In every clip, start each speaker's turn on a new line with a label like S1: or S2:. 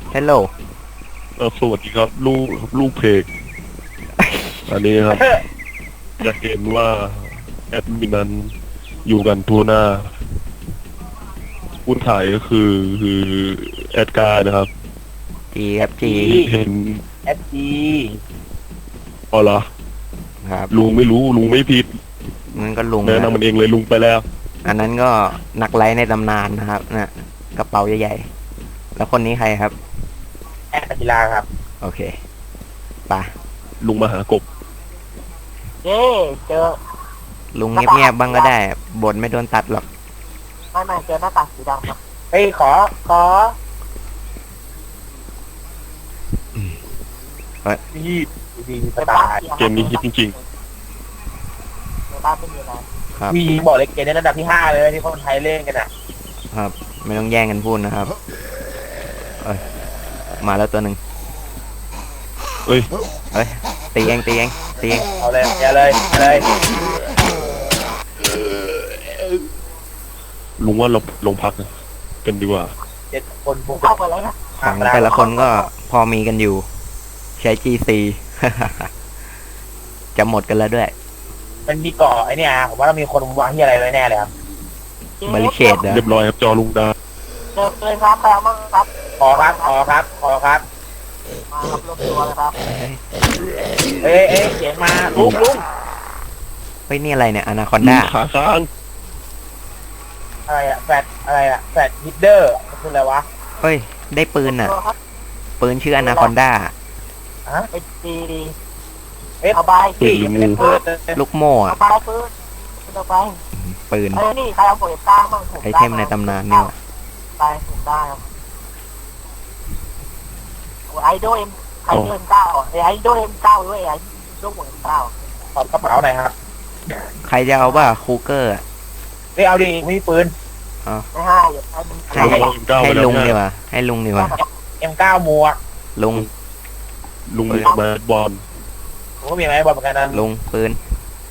S1: Hello
S2: สวัสดีครับลูกเพกอันนี้ครับจะเห็นว่าแอดมินนั้นอยู่กันทั่วหน้าผู้ถ่ายก็คือแอดการ์นะครับ
S1: จีครับจี
S2: เห็น
S3: FG
S2: อ๋อเหรอ
S1: ครับ
S2: ลุงไม่รู้ลุงไม่ผิด
S1: นั่นก็ลุง
S2: แนะนำมันเองเลยลุงไปแล้ว
S1: อันนั้นก็นักไลฟ์ในตำนานนะครับนะกระเป๋าใหญ่ๆแล้วคนนี้ใครครับ
S3: แอดกีฬาครับ
S1: โอเคไป
S2: ลุงมาหากบ
S3: เย้เจอ
S1: ลุงเงียบๆบ้างก็ได้บทไม่โดนตัดหรอก
S3: ไม่เจอหน้าตาสีดำครับเฮ้ยขอ
S2: นี่
S3: ดีสตาร์
S2: เกมนี้ฮิตจริง
S3: ในบ้านไม่มีอะไร
S1: ครับ
S3: มีบอกเลยเกมในระดับที่5เลยที่คนไทยเล่นกันอ่ะ
S1: ครับ ไม่ต้องแย่งกันพูดนะครับเอ้ยมาแล้วตัวหนึ่ง
S2: ๆเอ้ย
S1: เอ้ยตีเองตีเองตีเอง
S3: เอาเลยอย่าเลยเลย
S2: ลุงว่าเราลงพักกันดีกว่า
S3: 7 คนบุกเข้าไปแล้วนะ
S1: ของแต่ละคนก็พอมีกันอยู่ ใช้ GC จะหมดกันแล้วด้วย
S3: มันมีเกาะไอเนี่ยผมว่าเรามีคนวางที่อะไรไว้แน่เลยครับ
S1: บริเคดเหรอ
S2: เรียบร้อยครับจอลุงดา
S3: เจอเลยครับแปลมั่งครับขอครับมาครับรวมตัวเลยครับเอ้ยเสียงมาลุง
S1: เฮ้ยนี่อะไรเนี่ยอนาคอน
S2: ลุ
S1: ด้าง
S2: ขาค้าง
S3: อะไรอะแฟดฮิดเดอร์คืออะไรวะ
S1: เฮ้ยได้ปืนอ่ะปืนชื่ออนาคอนด้า
S3: ฮะดีเอาไปสิเป็นปืน
S1: ลูกโม่อะ
S3: เอาไปปืนเอาไป
S1: ปืน
S3: นี่ใครเอาโปรเจกต์ต้ามั่งผม
S1: ไอเทมในตำนานเนี่ยว่ะ
S3: ไปผมได้ครับไอโดเอ็มไอโดเอ็มเก้าไอโดเอ็มเก้าด้วยไอโดโปรเจกต์เก้าขอบกระเป๋าหน่อยครับ
S1: ใครจะเอาป่ะคูเกอร์อะ
S3: ไม่เอาดิไม่มีปืนไม่ให้
S1: ให้ลุงดีกว่าให้ลุงดีกว่า
S3: M9 หมวก
S1: ลุง
S2: ลุงมีมาบอล
S3: ผมก็มีไม้บอลเหมือนกันนะ
S1: ลุงปืน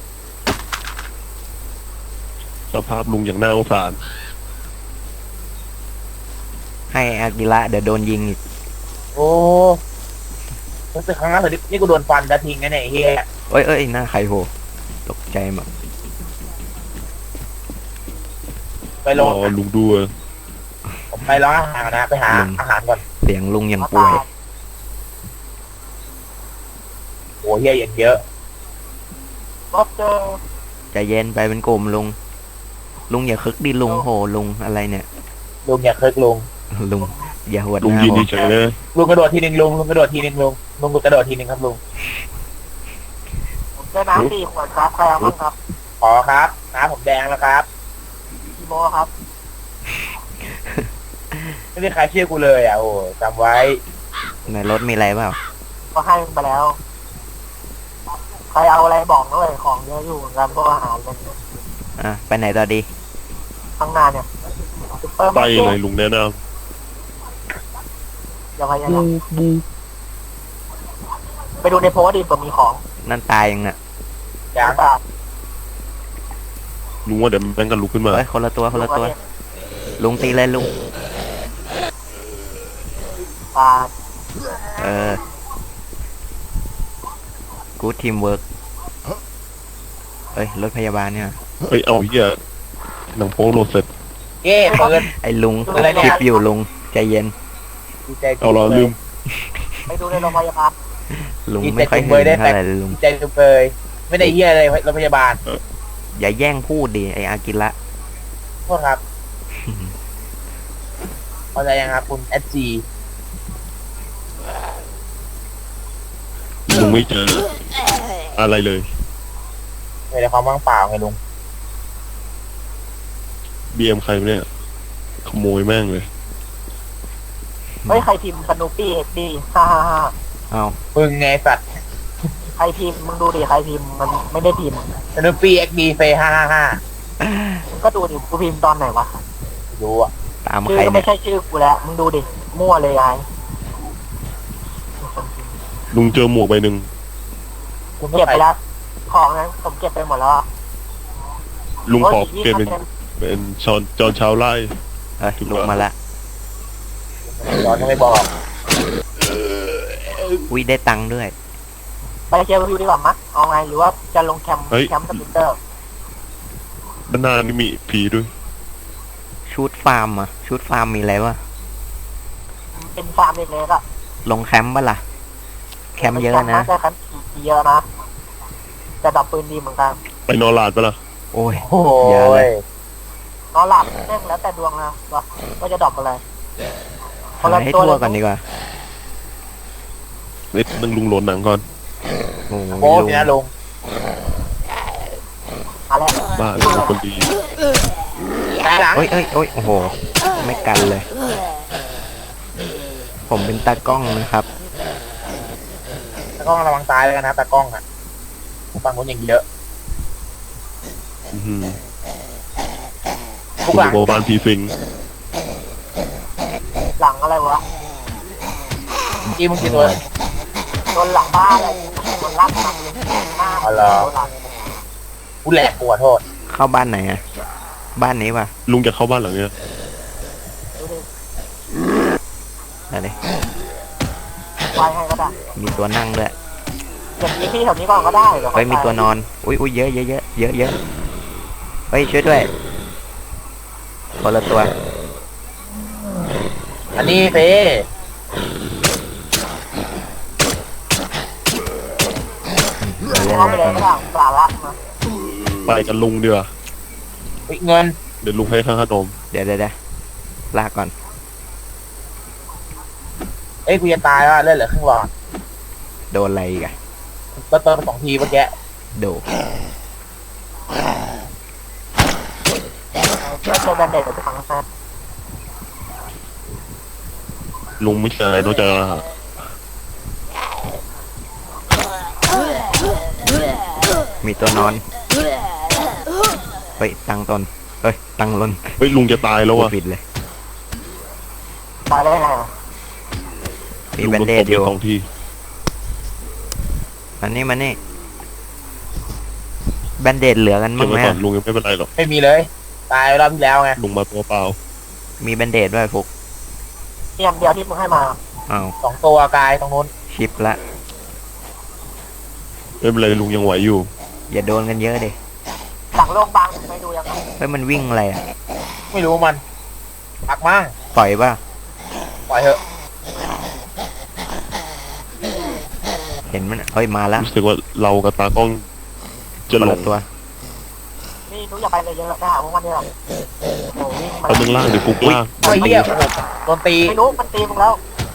S2: สภาพลุงอย่างน่าสงสาร
S1: ให้อากิระเดี๋ยวโดนยิงอีก
S3: โอ้รู้สึกครั้งล่าสุดนี่กูโดนฟันจะทิ้งไงเนี่ยเฮีย
S1: เอ้ยหน้าใครโหตกใจหมด
S3: ไปลง
S2: ลุงด้วย
S3: ผมไปร้านอาหารนะไปหาอาหารก่อน
S1: เสียงลุงยังป่วย
S3: โอ้เฮียอย่างเยอะรถเจอ
S1: ใจเย็นไปเป็นกลุ่มลุงลุงอย่าคึกดิลุงโหลุงอะไรเนี่ย
S3: ลุงอย่าเคิร์กลุง
S1: ลุงอย่าหวด
S2: ลุง
S1: หน้า
S2: ยืน
S1: ผม
S2: เฉยๆเลย
S3: ลุงกระโดดทีนึงลุงกระโดดทีนึงลุงกระโดดทีนึงครับลุงผมจะน้ำ4 ขวดครับใครเอาบ้างครับขอครับน้ำผมแดงแล้วครับพี่โมครับไม่มีใครเชื่อกูเลยอ่ะโอ้จำไว้
S1: ในรถมีอะไรเปล่า
S3: ก็ให้ไปแล้ว ใครเอาอะไรบอกด้วยของเยอะอยู่กันพวกอาหารกัน
S1: อ่ะไปไหนต่อดี
S3: ข้างหน้าเนี่ยซุปเปอร์
S2: ไป
S3: มาร์เก็
S2: เล
S3: ต
S2: ยลุงแนะน
S3: อย่าพยายามไปดูในโพสต์ดิผมมีของ
S1: นั่นตายยังน่ะ
S3: อย่าง
S2: ำลุงว่าเดี๋ยวแม่งกันลุกขึ้นมา
S1: เฮ้ยคนละตัวลุงตีเลยลุง
S3: ปลา
S1: กู๊ดทีมเวิร์กเอ้ยรถพยาบาลเนี่ย
S2: เฮ้ยเอาเหี้ยหนังโป๊โหลดเสร็จ
S3: เก้เปิด
S1: ไอ้ลุง
S3: อะไรเนี่ย
S1: คลิปอยู่ลุงใจเย็น
S3: ดีใจ
S2: เอาเราลืม
S3: ไปดูในโรงพยาบาล
S1: ลุงไม่ค่อยเห็นเท่าไหร่เลยลุง
S3: ดีใจจุกเลยไม่ได้เยี่ยเลยโรงพยาบาล
S1: อย่าแย่งพูดดิไออากิระ
S3: โทษครับพอใจยังครับคุณSG
S2: ลุงไม่เจออะไรเลย
S3: ในความว่างเปล่าไงลุง
S2: BM ใครเนี่ยขโมยแม่งเลย
S3: เฮ้ยใครพิมพ์สนุปปี้เอ็ดดี้ฮ่า
S1: เอา
S3: มึงไงสัตว์ใครพิมพ์มึงดูดิใครพิมพ์มันไม่ได้พิมพ์สนุปปี้เอ็กดีเฟย์ฮ่าก็ดูดิกูพิมพ์ตอนไหนวะดูอ่ะ
S1: ตาม
S3: ชื่
S1: ใคร
S3: อก็
S1: เนี่
S3: ไม่
S1: ย
S3: ใช่ชื่อกูแล้วมึงดูดิมั่วเลยไอ้
S2: ลุงเจอหมวกใบหนึ่ง
S3: ผมเก็บไปแล้วของนั้นผมเก็บไปหมดแล้ว
S2: ลุงขอเปลี่ยนเป็นจอนชาวไร่
S1: เอ้ยลุงมาละ
S3: ตอนไม่บอก
S1: อุ้ยได้ตังค์ด้วย
S3: ไปเชียร์วิวดีกว่ามั้ยเอาไงหรือว่าจะลงแคมป์สปินเตอร์
S2: ด้านหน้านี่มีผีด้วย
S1: ชุดฟาร์มอะชุดฟาร์มมีอะไรวะ
S3: เป็นฟาร์มเล็กๆอ่ะ
S1: ลงแคมป์ปะล่ะ แคมป์เยอะนะ
S3: แต่แคมป์เยอะนะจะดับปืนดีเหมือนกัน
S2: ไปนอนหลาดปะล่ะ
S1: โอ้ย
S3: โอ้
S1: เยอะเลย
S3: นอนหลับเล่นแล้วแต่ดวงนะว่าจะดรอปอะไร
S1: หาให้ทั่วก่อนดีกว่า
S2: นิดนึงลุงโหลดหนังก่อน
S1: โอ้โห
S3: โอ้
S1: ลุง
S3: ยนะลุงอะไร
S2: บ้าลุงเป็นคนดี
S3: หลัง
S1: โอ้ยโอ้ยโอ้โห ไม่กันเลย ผมเป็นตากล้องนะครับ
S3: ตากล้องระวังตายเลยนะตากล้องอ่ะฟังคนอย่างเยอะ
S2: อื้อหือ
S3: ทุก
S2: คุณ
S3: หลัง
S2: โบบ้านผีสิง
S3: หลังอะไรวะอีมึงกี่ตัวโดนหลังบ้านอะไรโดนลักมาหน้าอ๋อเหรอกูแหลกปวดโทษ
S1: เข้าบ้านไหนอะบ้านนี้ป่ะ
S2: ลุงจะเข้าบ้านหลังเนี้ย
S1: อะไร
S3: ไปให้ก็ได้
S1: มีตัวนั่งด้วย
S3: อย่างนี้ที่แถวนี้ก่อนก็ได้เดี๋ยว
S1: เฮ้ยมีตัวนอน อุ้ยอุ้ยเยอะเยอะเยอะเยอะเยอะเฮ้ยช่วยด้วยคนละตัว
S3: อันนี้เฟ
S1: เอาเลย
S3: เอาไปเลยก็ได้ปลาละมา
S2: ไปกันลุงเดือ
S3: เงิน
S2: เดี๋ยวลุงให้ค่าขนม
S1: เดี๋ยวลากก่อน
S3: เอ้ยกูจะตายว่ะเล่นเหลือครึ่งหลอด
S1: โดนอะไรอีกอะ
S3: เติมไป2 ทีเมื่อกี้
S1: โด
S3: เชื่อแบนเด็ดไปฟังนะ
S2: ลุงไม่ใช่นอกจาก
S1: มีตัวนอน เฮ้ยตังตนเฮ้ยตังลน
S2: เฮ้ยลุงจะตายแล้ว
S1: พูด
S2: อ่ะ
S1: ผิดเลย
S3: ตายได้ไง
S1: มี
S2: ลุง
S1: แบน
S2: โดน
S1: เด
S2: ต
S1: ด
S2: บ
S1: อยู่
S2: 2 ที
S1: มันนี่แบนเดดเหลือกัน
S2: เก็
S1: มั้
S2: บ
S1: งไห
S2: ไว้
S1: ม
S2: ก่อนลุงยังไม่เป็นไรหรอก
S3: ไม่มีเลย ตายรอบที่แล้วไง
S2: ลุงมาตัวเปล่า
S1: มีแบนเดดด้วยฟุก
S3: เตรียมเดียวที่มึงให้มา
S1: อ้าว
S3: 2 ตัวกายตรงนู้น
S1: ชิปละ
S2: ไม่เป็นไรลุงยังไหวอยู่
S1: อย่าโดนกันเยอะดิ
S3: หลังโรงพยาบาลไม่ดูยังไง
S1: เฮ้ยมันวิ่งอะไรอะ
S3: ไม่รู้มันปักมั่ง
S1: ปล่อยป่ะ
S3: ปล่อยเถอะ
S1: เห็นมันเฮ้ยมาแล้ว
S2: รู้สึกว่าเรากับตากล้องจะ
S1: คน
S2: หล
S1: ละ
S2: ง
S1: ตัว
S3: นี่รู้อย่าไปเลยเยอะนะหาพวกมันเนี่ยโอ้วิ่งมา
S2: เอามึงล่างเดี๋ยวฟุกล่าง
S3: ไอ้เหี้ยโดนตีไม่รู้มันตีมึงแล้ว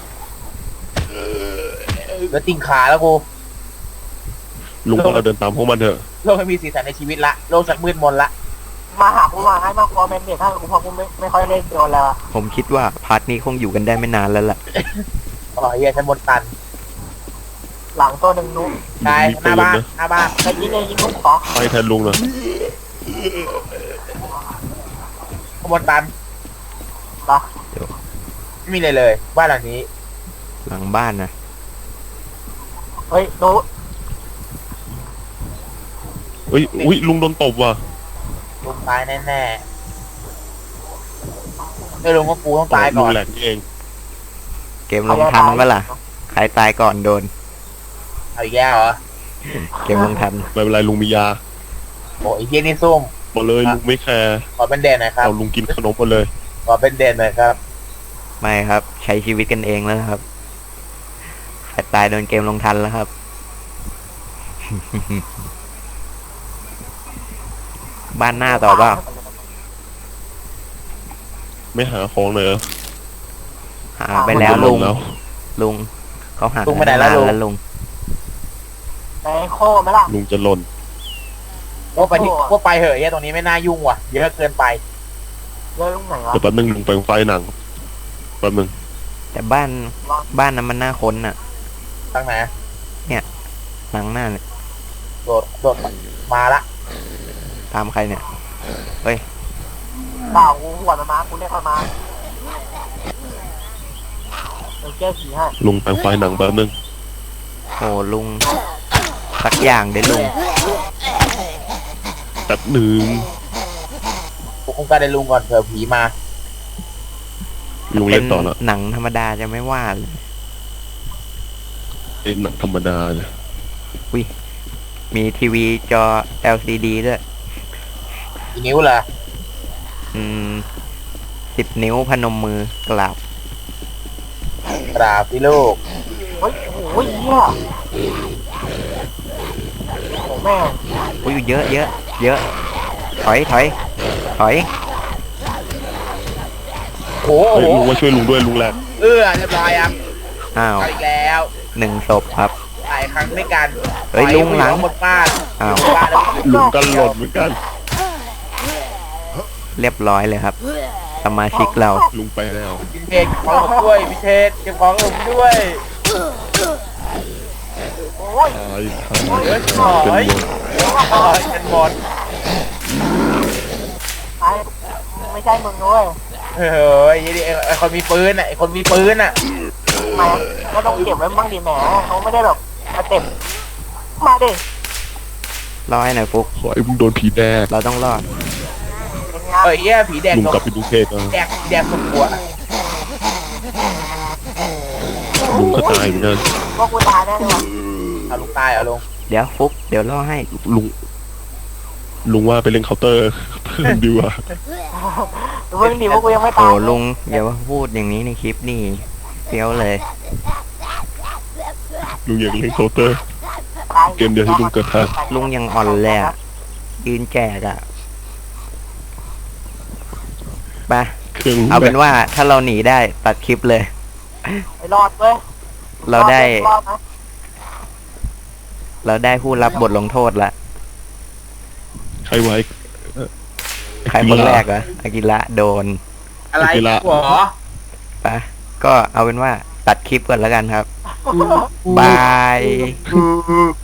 S3: เหลือติ่งขาแล้วกู
S2: ลุงก็เราเดินตามพวกมันเถอะ
S3: โลกไม่มีสีสันในชีวิตละโลกจากมืดมนละมาหากูมาให้มากกว่าเมนเด็กถ้ากูพอกูไม่ค่อยเล่นโดนแล้ว
S1: ผมคิดว่าพาร์ทนี้คงอยู่กันได้ไม่นานแล้วล่ะ
S3: อ๋อเหี้ยฉันบนตัน หลังตัวหนึ่งนุ๊กใช่หน้าบ้านไปยิงเลยยิงนุ๊กขอ
S2: ไปแทนลุงนะ
S3: ขบวนตันปะไม่มีเลยเลย บ้านหลังนี้
S1: หลังบ้านนะ
S3: เฮ้ยนุ๊ก
S2: เฮ้ยอุ้ยลุงโดนตบว่ะ
S3: ลุงตายแน่ๆไม่ลุงก็กูต้องตาย
S2: ลุ
S3: ก่
S2: ง
S3: อน
S2: แหลกนี่เอง
S1: เกมลงทันปะล่ะใครตายก่อนโดน
S3: เอาอีกแล้วเหรอ
S1: เกมลงทัน
S2: ไม่เป็นไรลุงมียา
S3: โอ้ยเฮียนี่ซุ่ม
S2: มาเลยลุงไม่แคร์
S3: ขอเป็นเด่นหน่อยครับ
S2: เอาลุงกินขนมมาเลย
S3: ขอเป็นเด่นหน่อยครับ
S1: ไม่ครับ ใช้ชีวิตกันเองแล้วนะครับใครตายโดนเกมลงทันแล้วครับ บ้านหน้าต่อเปล่า
S2: ไม่หาของเลยเหรอ
S1: หาไปแล้ว
S2: มัน
S1: ลุ
S2: ล
S1: ง
S2: งแล้ว
S1: ลุงเขาหา
S3: ลุงไปไหนแล้ว
S1: นาน
S3: ลุง
S1: แล้วลุง
S3: ไอ้โค้ไหมล่ะ
S2: ลุงจะหล่น
S3: พวกไปที่พวกไปเหอะเฮียตรงนี้ไม่น่ายุ่งว่ะเยอะเกินไปเยอะลุงไหนวะ
S2: เดี๋ยวแป๊บนึงลุงไปไฟหนังแป๊บนึง
S1: แต่บ้านนั้นมันน่าค้นอ่ะ
S3: ทางไหน
S1: หลังหน้าเนี่ย
S3: โดดมาละ
S1: ตามใครเนี่ย
S3: เปล่ากูหัวมันมากูเรียกมันมาเดี๋ยวแก้ผีให้
S2: ลุงไปไฟหนังแป๊บนึง
S1: โอ้ลุงสักอย่างเด้ลุง
S2: แป๊บหนึ่ง
S3: กูคงการได้ลุงก่อนเผื่อผีมา
S2: ลุง
S1: เป็
S2: เล่
S1: น
S2: นต่อละ
S1: หนังธรรมดาจะไม่ว่าเลย
S2: เป็นหนังธรรมดาเนี่ย
S1: มีทีวีจอ LCD ด้วย
S3: กี่นิ้วเหรอ
S1: 10 นิ้วพนมมือกราบ
S3: กราบพี่ลูกโอ้ยโอ้ยเหี้ยโอ้แม่
S1: อุ้ยเยอะเยอะเยอะ ถอยถอยถอย
S3: โอ้
S2: เฮ้ย
S3: โห
S2: ลุงมาช่วยลุงด้วยลุงแหลก
S3: เรียบร้อยครับ
S1: อ้าว
S3: เอาอีกแล้ว
S1: 1 ศพครับ
S3: หลายครั้งด้วยกัน
S1: เฮ้ยลุงหลัง
S3: หมดบ้าน
S1: อ้าว
S3: บ้านแล้ว
S2: ลุงกันหล่นเหมือนกัน
S1: เรียบร้อยเลยครับ สมาชิกเรา
S2: ลุงไปแล้ว
S3: พิเทศเก็บของผมด้วยพิเทศเก็บของผมด้วยโอ้ย
S2: ตายทาง
S3: เฮ้ย
S2: เป็น
S3: ถอย
S2: หมด
S3: ถอยกันหมดไม่ใช่มึงด้วยเฮ้ยไอ้คนมีปืนอ่ะไอ้คนมีปืนอ่ะมาก็ต้องเก็บไว้บ้างดิแหมเขาไม่ได้แบบมาเต็มมาดิ
S1: รอให้หน่อยฟุก
S2: ขอไอ้มึงโดนผีแดก
S1: เราต้องรอด
S3: เอ้ยเหี้ยผีแดง
S2: ลุงกลับไปดูเพจนะ
S3: แดงสุดหัว
S2: ลุงก็ตายเหมือนกัน
S3: พวกกูตายแน่เลยเอาลุงตายเอาลุง
S1: เดี๋ยวฟุกเดี๋ยวรอให้
S2: ลุงว่าไปเล่นเคาน์เตอร์เพิ่มดีกว่า
S3: เพิ่งดีพวกกูยังไม่
S1: โอ้
S3: ตาย
S1: ลุงอย่ามาพูดอย่างนี้ในคลิปนี่เฟี้ยวเลย
S2: ลุงอยากเล่นเคาน์เตอร์ เกมเดียวที่ลุงเกิดทัน
S1: ลุงยังอ่อนเลยอ่ะยืนแจกอ่ะไป
S2: เครื่องลุง
S1: เอา
S2: แบ
S1: เป็น
S2: บ
S1: ว่าถ้าเราหนีได้ตัดคลิปเลย
S3: ไอ้รอดเว้ย
S1: เราได้
S3: รอดนะ
S1: เราได้ผู้รับบทลงโทษละ
S2: ใครไว้
S1: ใครคนแรกเหรออากิระโดน
S3: อะไร
S2: อากิระ
S3: หัว
S1: ไปก็เอาเป็นว่าตัดคลิปก่อนแล้วกันครับ บาย